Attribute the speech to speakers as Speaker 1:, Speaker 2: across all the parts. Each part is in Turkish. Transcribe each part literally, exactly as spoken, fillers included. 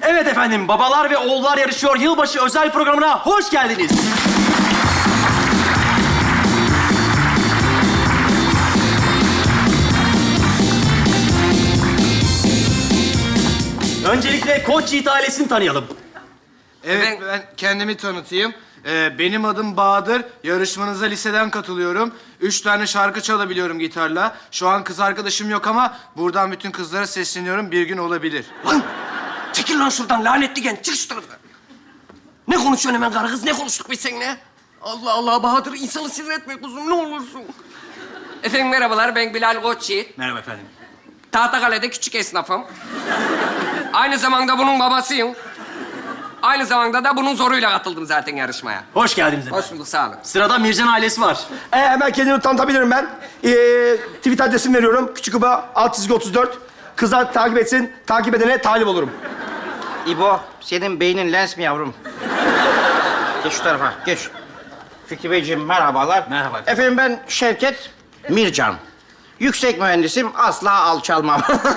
Speaker 1: Evet efendim, babalar ve oğullar yarışıyor yılbaşı özel programına hoş geldiniz. Öncelikle Koç Yiğit ailesini tanıyalım.
Speaker 2: Evet, ben kendimi tanıtayım. Ee, benim adım Bahadır. Yarışmanıza liseden katılıyorum. Üç tane şarkı çalabiliyorum gitarla. Şu an kız arkadaşım yok ama buradan bütün kızlara sesleniyorum. Bir gün olabilir.
Speaker 3: Lan! Çekil lan şuradan lanetli genç. Çık şu tarafa. Ne konuşuyorsun hemen karı kız? Ne konuştuk biz seninle? Allah Allah Bahadır, insanı sinir etme kuzum, ne olursun. Efendim merhabalar, ben Bilal Koçyiğit.
Speaker 1: Merhaba efendim.
Speaker 3: Tahtakale'de küçük esnafım. Aynı zamanda bunun babasıyım. Aynı zamanda da bunun zoruyla katıldım zaten yarışmaya.
Speaker 1: Hoş geldiniz efendim.
Speaker 3: Hoş bulduk, sağ olun.
Speaker 1: Sırada Mircan ailesi var.
Speaker 4: Ee, hemen kendimi tanıtabilirim ben. Ee, tweet adresimi veriyorum. Küçük Uba alt çizgi otuz dört. Kızlar takip etsin. Takip edene talip olurum.
Speaker 5: İbo, senin beynin lens mi yavrum? Geç şu tarafa, geç. Fikri Beyciğim, merhabalar.
Speaker 1: Merhaba.
Speaker 5: Efendim ben Şevket Mircan. Yüksek mühendisim, asla alçalmam.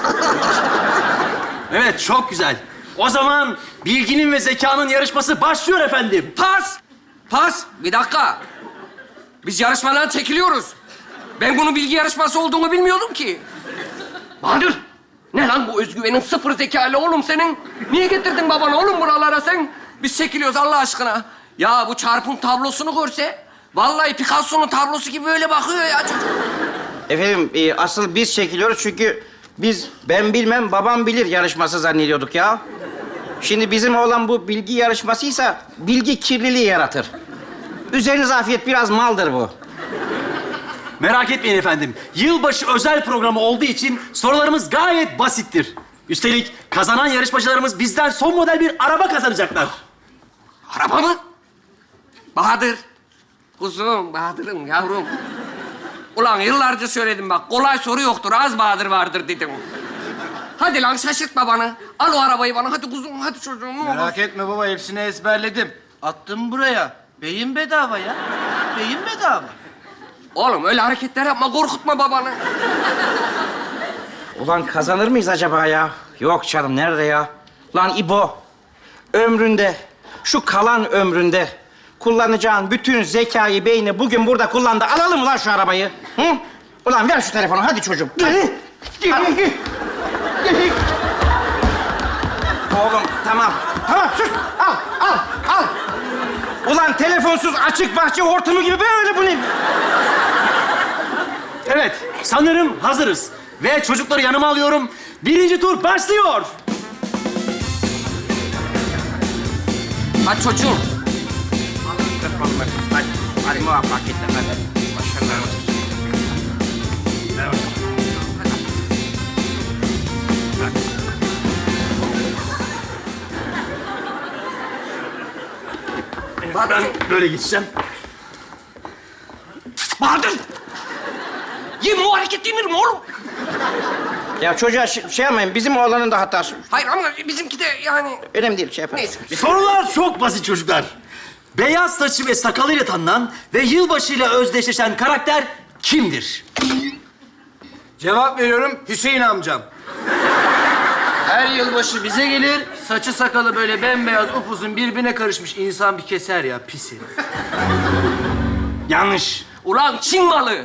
Speaker 1: Evet, çok güzel. O zaman bilginin ve zekanın yarışması başlıyor efendim.
Speaker 3: Pas! Pas! Bir dakika. Biz yarışmadan çekiliyoruz. Ben bunun bilgi yarışması olduğunu bilmiyordum ki. Bahadır! Ne lan bu özgüvenin sıfır zekalı oğlum senin? Niye getirdin babanı oğlum buralara sen? Biz çekiliyoruz Allah aşkına. Ya bu çarpım tablosunu görse... Vallahi Picasso'nun tablosu gibi böyle bakıyor ya çocuk.
Speaker 5: Efendim, e, asıl biz çekiliyoruz çünkü biz ben bilmem, babam bilir yarışması zannediyorduk ya. Şimdi bizim olan bu bilgi yarışmasıysa bilgi kirliliği yaratır. Üzerinize afiyet, biraz maldır bu.
Speaker 1: Merak etmeyin efendim. Yılbaşı özel programı olduğu için sorularımız gayet basittir. Üstelik kazanan yarışmacılarımız bizden son model bir araba kazanacaklar.
Speaker 3: Araba mı? Bahadır. Kuzum, Bahadır'ım, yavrum. Ulan yıllarca söyledim bak, kolay soru yoktur, az Bahadır vardır dedim. Hadi lan şaşırt babanı. Al o arabayı bana, hadi kuzum, hadi çocuğum. Ne olur.
Speaker 2: Merak etme baba, hepsini ezberledim. Attım buraya. Beyin bedava ya. Beyin bedava.
Speaker 3: Oğlum öyle hareketler yapma, korkutma babanı.
Speaker 5: Ulan kazanır mıyız acaba ya? Yok canım, nerede ya? Lan İbo, ömründe, şu kalan ömründe kullanacağın bütün zekayı, beyni bugün burada kullandı. Alalım mı lan şu arabayı? Hı? Ulan ver şu telefonu, hadi çocuğum. Hadi. Hadi. Oğlum, tamam. Tamam, sus. Al, al, al. Ulan telefonsuz açık bahçe hortumu gibi böyle bu ne?
Speaker 1: Evet, sanırım hazırız. Ve çocukları yanıma alıyorum. Birinci tur başlıyor.
Speaker 3: Hadi çocuğum.
Speaker 5: Hadi, hadi muvaffakiyetle, hadi. Başarılar olsun.
Speaker 1: Ben böyle geçeceğim.
Speaker 3: Bahadır! Yemin o hareket yenir mi oğlum?
Speaker 5: Ya çocuğa şey, şey yapmayın, bizim oğlanın da hatası.
Speaker 3: Hayır ama bizimki de yani...
Speaker 5: Önemli değil, şey yapalım.
Speaker 3: Neyse.
Speaker 1: Sorular çok basit çocuklar. Beyaz saçı ve sakalıyla tanınan ve yılbaşıyla özdeşleşen karakter kimdir?
Speaker 2: Cevap veriyorum, Hüseyin amcam. Her yılbaşı bize gelir, saçı sakalı böyle bembeyaz, upuzun birbirine karışmış insan bir keser ya, pis herif.
Speaker 1: Yanlış.
Speaker 3: Ulan Çin malı!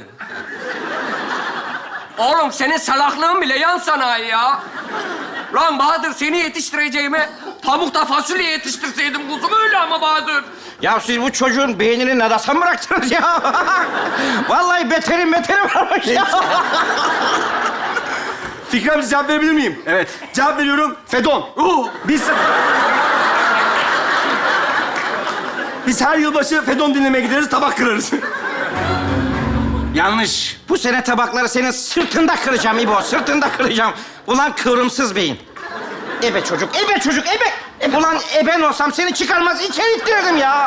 Speaker 3: Oğlum senin salaklığın bile yan sanayi ya. Lan Bahadır, seni yetiştireceğime pamukta fasulye yetiştirseydim kuzum, öyle ama Bahadır.
Speaker 5: Ya siz bu çocuğun beynini nadasa mı bıraktınız ya? Vallahi beterin beteri varmış ya.
Speaker 4: Fikri abi cevap verebilir miyim?
Speaker 1: Evet.
Speaker 4: Cevap veriyorum. Fedon.
Speaker 3: Uh,
Speaker 4: Biz... Biz her yılbaşı Fedon dinlemeye gideriz, tabak kırarız.
Speaker 1: Yanlış.
Speaker 5: Bu sene tabakları senin sırtında kıracağım İbo, sırtında kıracağım. Ulan kıvrımsız beyin. Ebe çocuk, ebe çocuk, ebe. E, ulan eben olsam seni çıkarmaz, içeri ittirirdim ya.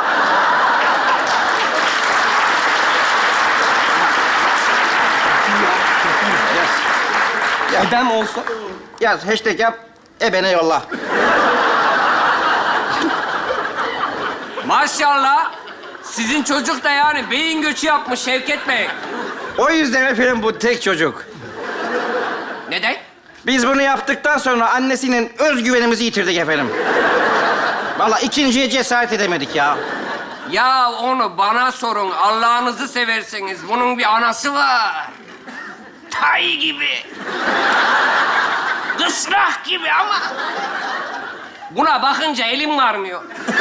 Speaker 5: Yaz.
Speaker 4: Ebem olsa...
Speaker 5: Yaz, hashtag yap, ebene yolla.
Speaker 3: maşallah. Sizin çocuk da yani beyin göçü yapmış Şevket Bey.
Speaker 5: O yüzden efendim bu tek çocuk.
Speaker 3: Neden?
Speaker 5: Biz bunu yaptıktan sonra annesinin özgüvenimizi yitirdik efendim. Vallahi ikinciye cesaret edemedik ya.
Speaker 3: Ya onu bana sorun. Allah'ınızı severseniz. Bunun bir anası var. Tay gibi. Kısrak gibi ama... Buna bakınca elim varmıyor.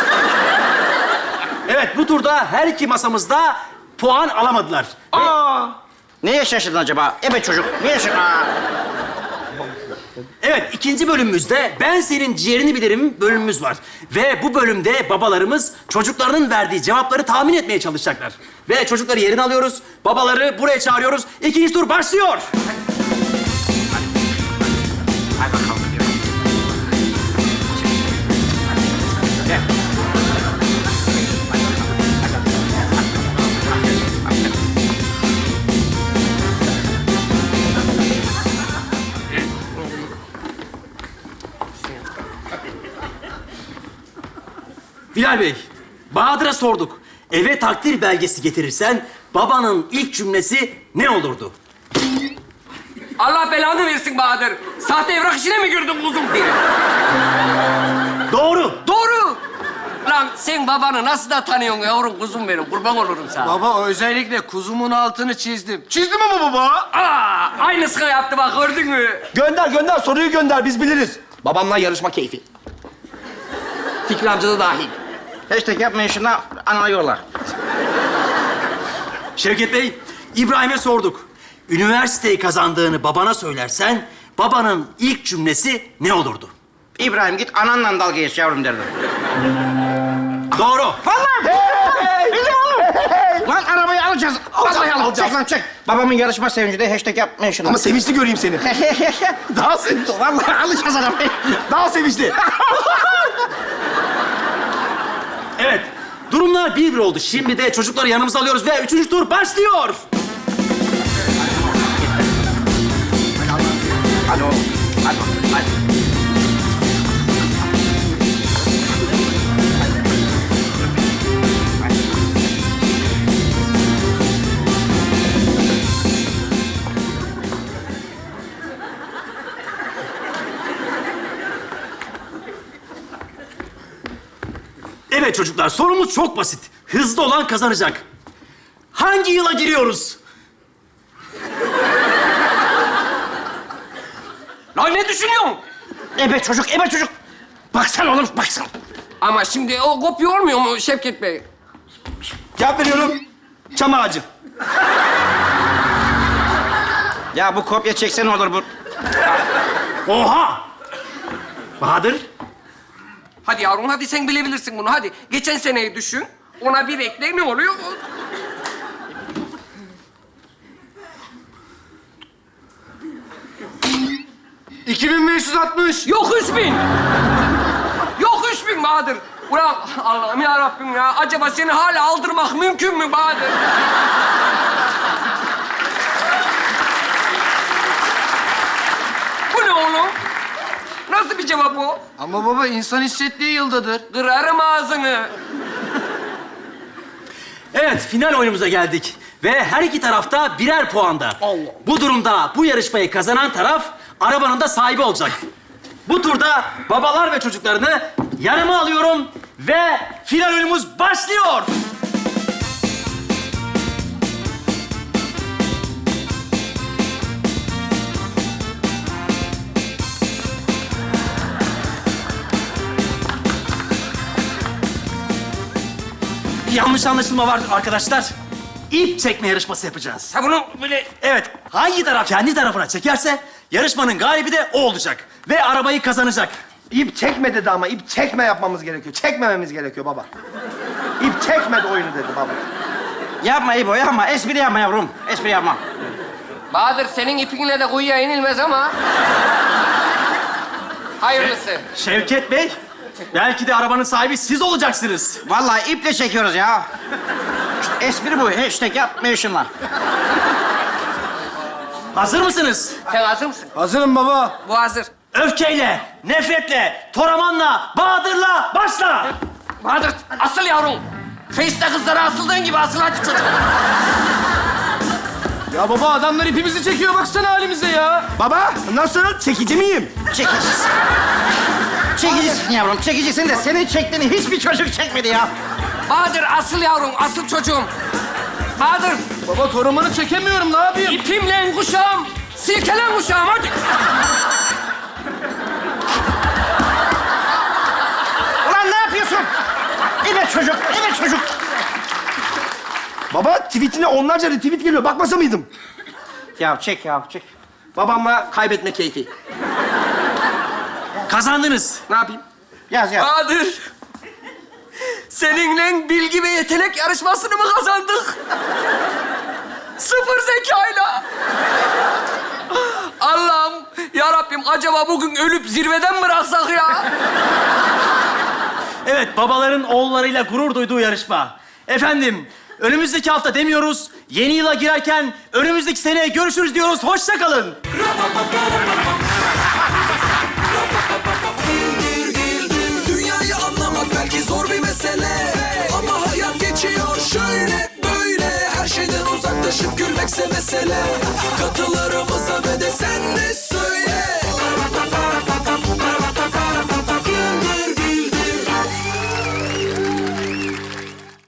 Speaker 1: Evet, bu turda her iki masamızda puan alamadılar.
Speaker 5: Aa! Neye şaşırdın acaba? Evet çocuk, niye şaşırdın? Aa!
Speaker 1: Evet, ikinci bölümümüzde Ben Senin Ciğerini Bilirim bölümümüz var. Ve bu bölümde babalarımız çocuklarının verdiği cevapları tahmin etmeye çalışacaklar. Ve çocukları yerine alıyoruz, babaları buraya çağırıyoruz. İkinci tur başlıyor.
Speaker 5: Hadi bakalım. Gel.
Speaker 1: Bilal Bey, Bahadır'a sorduk. Eve takdir belgesi getirirsen babanın ilk cümlesi ne olurdu?
Speaker 3: Allah belanı versin Bahadır. Sahte evrak işine mi girdin kuzum diye.
Speaker 1: Doğru.
Speaker 3: Doğru. Lan sen babanı nasıl da tanıyorsun yavrum kuzum benim. Kurban olurum sana.
Speaker 2: Baba özellikle kuzumun altını çizdim. Çizdim ama baba.
Speaker 3: Aa, aynısını yaptı bak gördün mü?
Speaker 4: Gönder gönder soruyu gönder biz biliriz.
Speaker 5: Babamla yarışma keyfi. Fikri amca da dahil. Hashtag yapmayın şuna, anana yollar.
Speaker 1: Şevket Bey, İbrahim'e sorduk. Üniversiteyi kazandığını babana söylersen babanın ilk cümlesi ne olurdu?
Speaker 5: İbrahim git ananla dalga geç yavrum derdim.
Speaker 1: Doğru.
Speaker 5: Vallahi! Lan arabayı alacağız. Vallahi alacağız. Çek lan çek. Babamın yarışma sevincinde hashtag yapmayın şunu.
Speaker 4: Ama sevinçli göreyim seni. Daha sevinçli.
Speaker 5: Vallahi alacağız arabayı.
Speaker 4: Daha sevinçli.
Speaker 1: Evet, durumlar bir bir oldu. Şimdi de çocukları yanımıza alıyoruz ve üçüncü tur başlıyor.
Speaker 5: Hadi oğlum. Hadi bakalım, hadi.
Speaker 1: Evet çocuklar, sorumuz çok basit. Hızlı olan kazanacak. Hangi yıla giriyoruz?
Speaker 3: Lan ne düşünüyorsun?
Speaker 5: Ebe çocuk, ebe çocuk. Baksana oğlum, baksana.
Speaker 3: Ama şimdi o kopya olmuyor mu Şevket Bey?
Speaker 4: Cevap veriyorum. Çam ağacı.
Speaker 5: Ya bu kopya çeksen olur bu.
Speaker 1: Oha! Bahadır,
Speaker 3: Hadi yavrum hadi sen bilebilirsin bunu hadi. Geçen seneyi düşün. Ona bir ekle ne oluyor?
Speaker 2: iki bin beş yüz altmış.
Speaker 3: Yok üç bin. Yok üç bin Bahadır. Ulan Allah'ım ya Rabbim ya. Acaba seni hala aldırmak mümkün mü Bahadır? Bu ne oğlum? Nasıl bir cevap o?
Speaker 2: Ama baba insan hissettiği yıldadır.
Speaker 3: Kırarım ağzını.
Speaker 1: evet final oyunumuza geldik. Ve her iki tarafta birer puanda. Bu durumda bu yarışmayı kazanan taraf arabanın da sahibi olacak. Bu turda babalar ve çocuklarını yanıma alıyorum ve final oyunumuz başlıyor. Bir yanlış anlaşılma var arkadaşlar. İp çekme yarışması yapacağız.
Speaker 3: Ha bunu böyle...
Speaker 1: Evet, hangi taraf kendi tarafına çekerse yarışmanın galibi de o olacak. Ve arabayı kazanacak.
Speaker 4: İp çekme dedi ama ip çekme yapmamız gerekiyor. Çekmememiz gerekiyor baba. İp çekmedi oyunu dedi baba.
Speaker 5: Yapma İbo, yapma. Espri yapma yavrum. Espri yapma.
Speaker 3: Bahadır senin ipinle de kuyuya inilmez ama... Hayırlısı.
Speaker 1: Şevket Bey, belki de arabanın sahibi siz olacaksınız.
Speaker 5: Vallahi iple çekiyoruz ya. İşte espri bu. Hashtag yapmayın şunlar.
Speaker 1: Hazır mısınız?
Speaker 3: Sen hazır mısın?
Speaker 2: Hazırım baba.
Speaker 3: Bu hazır.
Speaker 1: Öfkeyle, nefretle, Toraman'la, Bahadır'la başla.
Speaker 3: Bahadır asıl yavrum. Face'te kızlara asıldığın gibi asıl hadi çocuk.
Speaker 2: Ya baba adamlar ipimizi çekiyor baksana halimize ya.
Speaker 4: Baba nasıl? Çekici miyim?
Speaker 5: Çekicisin. Çekicisin yavrum, çekicisin de senin çektiğini hiçbir çocuk çekmedi ya.
Speaker 3: Bahadır asıl yavrum, asıl çocuğum. Bahadır,
Speaker 2: Baba torumanı çekemiyorum ne yapayım?
Speaker 3: ipimle kuşağım, silkelen kuşağım hadi.
Speaker 5: Ulan ne yapıyorsun? Evet çocuk, evet çocuk.
Speaker 4: Baba tweetine onlarca retweet geliyor. Bakmasa mıydım?
Speaker 5: Ya çek ya, çek.
Speaker 4: Babamla kaybetme keyfi.
Speaker 1: Kazandınız.
Speaker 4: Ne yapayım?
Speaker 5: Yaz yaz.
Speaker 3: Bahadır, seninle bilgi ve yetenek yarışmasını mı kazandık? Sıfır zekayla. Allah'ım, ya Rabbim acaba bugün ölüp zirveden mi bıraksak ya?
Speaker 1: Evet, babaların oğullarıyla gurur duyduğu yarışma. Efendim, önümüzdeki hafta demiyoruz, yeni yıla girerken önümüzdeki seneye görüşürüz diyoruz. Hoşça kalın.